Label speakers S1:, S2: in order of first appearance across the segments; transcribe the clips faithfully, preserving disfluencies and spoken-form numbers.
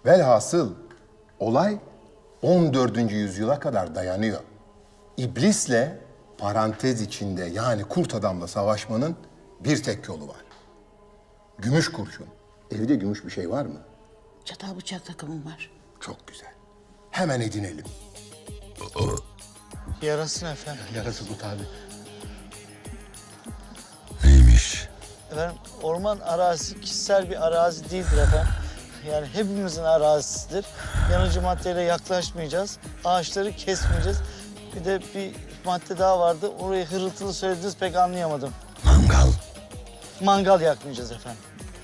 S1: Velhasıl olay on dördüncü yüzyıla kadar dayanıyor. İblisle parantez içinde yani kurt adamla savaşmanın bir tek yolu var. Gümüş kurşun. Evde gümüş bir şey var mı?
S2: Çatal bıçak takımım var.
S1: Çok güzel. Hemen edinelim.
S3: Yarasın efendim.
S1: Yarası bu tabi.
S4: Neymiş?
S3: Efendim orman arazisi kişisel bir arazi değildir efendim. Yani hepimizin arazisidir. Yanıcı maddeyle yaklaşmayacağız. Ağaçları kesmeyeceğiz. Bir de bir madde daha vardı. Orayı hırıltılı söylediniz pek anlayamadım.
S4: Mangal.
S3: Mangal yakmayacağız efendim.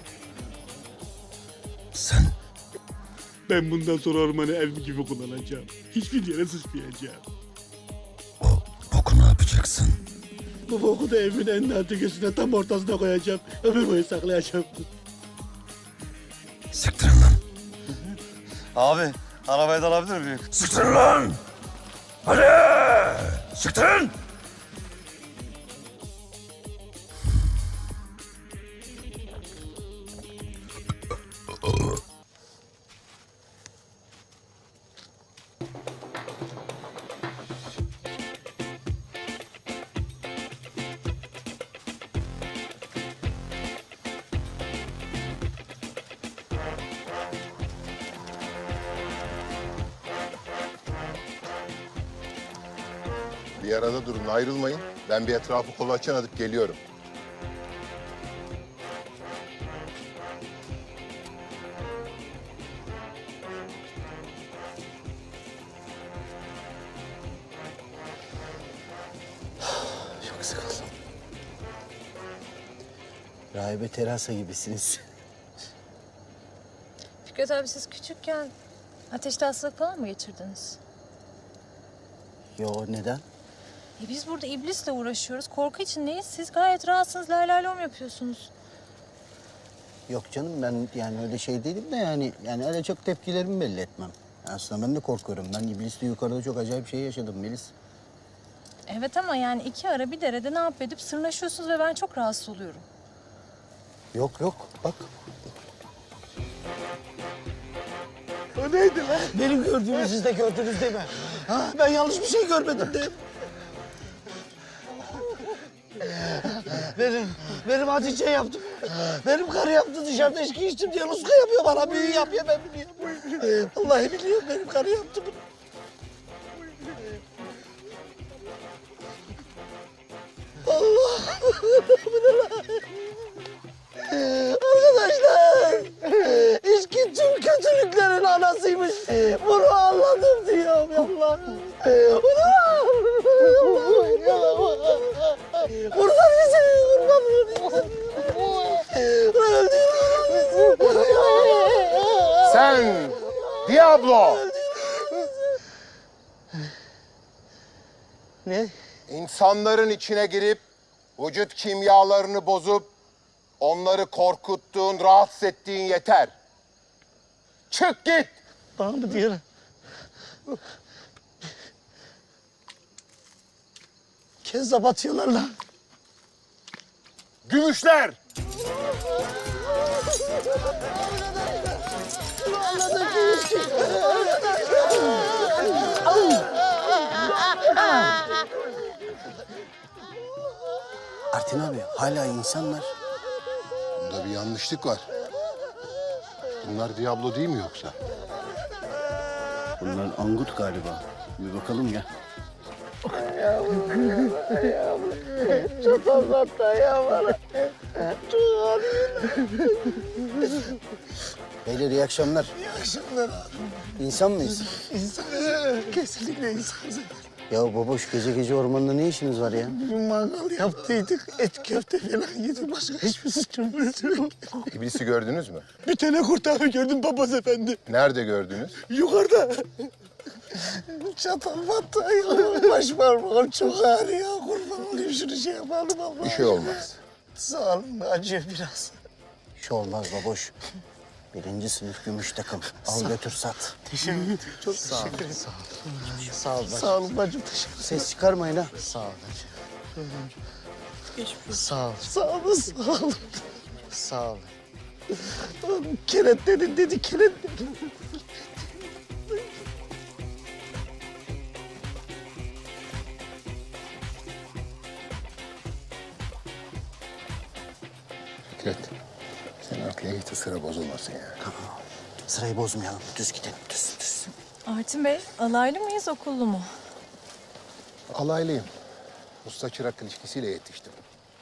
S4: Sen
S5: Ben bundan sonra ormanı evim gibi kullanacağım. Hiçbir yere sıçmayacağım.
S4: o boku ne yapacaksın?
S5: Bu boku da evimin en nadir köşesine tam ortasına koyacağım. Ömür boyu saklayacağım.
S4: Siktirin lan.
S3: Abi arabayı da alabilir miyim?
S4: Siktirin lan! Hadi! Siktirin!
S1: Bir arada durun, ayrılmayın. Ben bir etrafı kolaçan atıp geliyorum.
S2: Çok sıkıldım. Rahibe terasa gibisiniz.
S6: Fikret abi siz küçükken ateşli hastalık falan mı geçirdiniz?
S2: Yo neden?
S6: E biz burada iblisle uğraşıyoruz. Korku için neyiz? Siz gayet rahatsınız. Lay lay lom yapıyorsunuz.
S2: Yok canım ben yani öyle şey değilim de yani yani öyle çok tepkilerimi belli etmem. Aslında ben de korkuyorum. Ben iblisle yukarıda çok acayip şey yaşadım Melis.
S6: Evet ama yani iki ara bir derede ne yap edip sırnaşıyorsunuz ve ben çok rahatsız oluyorum.
S2: Yok yok bak.
S3: O neydi lan? Benim gördüğümü siz de gördünüz değil mi? Ha? Ben yanlış bir şey görmedim değil mi? Benim, benim Hatice yaptı. Benim karı yaptı dışarıda içki içtim diye Ruska yapıyor bana. Büyü yapıyor ben biliyorum. Vallahi biliyorum benim karı yaptı bunu. Allah! Bu ne lan? Arkadaşlar! İçki tüm kötülüklerin anasıymış. Bunu anladım diyorum Allah. Bunu kurban bizi, kurban bizi. Öldürün bizi.
S1: Sen Diablo!
S3: Ne?
S1: İnsanların içine girip vücut kimyalarını bozup onları korkuttuğun, rahatsız ettiğin yeter. Çık git!
S3: Bana mı diyor? Kezzap atıyorlar lan.
S1: Gümüşler!
S2: Artin abi hala insanlar.
S1: Bunda bir yanlışlık var. Bunlar Diablo değil mi yoksa?
S2: Bunlar angut galiba. Bir bakalım gel.
S3: Çok anlattı ya bana. Çok ağrıyor.
S2: Beyler iyi akşamlar.
S3: İyi akşamlar abi.
S2: İnsan mıyız?
S3: İnsan, kesinlikle insanız.
S2: Ya baboş gece gece ormanda ne işiniz var ya?
S3: Bir mangal yaptıydık, et köfte falan yedik. Başka hiçbir suçumuz yok.
S1: İblisi gördünüz mü?
S5: Bir tane kurt abi gördüm papaz efendi.
S1: Nerede gördünüz?
S5: Yukarıda.
S3: Çatal battı ayağım, baş parmağım çok ağrıyor. Kurban olayım şunu şey yapalım Allah.
S1: Bir şey olmaz.
S3: Sağ olun, acıyor biraz.
S2: Bir şey olmaz baboş. Birinci sınıf gümüş takım. Al götür sat.
S3: Teşekkür ederim. Çok sağ olun. Sağ olun. Sağ olun. Sağ olun bacım, teşekkür ederim.
S2: Ses çıkarmayın ha.
S3: Sağ olun bacım. Sağ olun. Sağ olun, sağ olun. Sağ olun. Kenetledin dedi, kenetledin.
S1: Fikret, sen arkaya git, sıra bozulmasın ya.
S2: Tamam. Sırayı bozmayalım. Düz gidelim. Düz düz.
S6: Artin Bey, alaylı mıyız, okullu mu?
S1: Alaylıyım. Usta çırak ilişkisiyle yetiştim.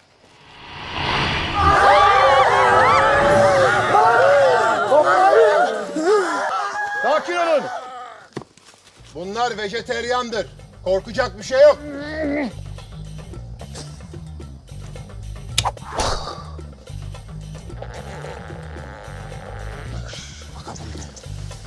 S1: Sakin olun. Bunlar vejeteryandır. Korkacak bir şey yok.
S2: Bakalım bir de.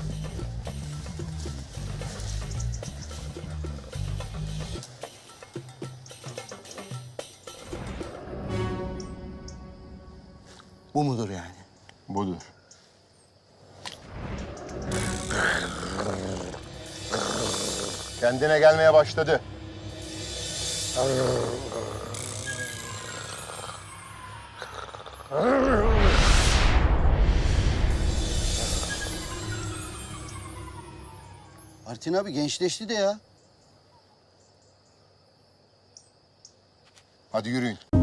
S2: Bu mudur yani?
S1: Budur. Kendine gelmeye başladı.
S2: Artin abi gençleşti de ya.
S1: Hadi yürüyün.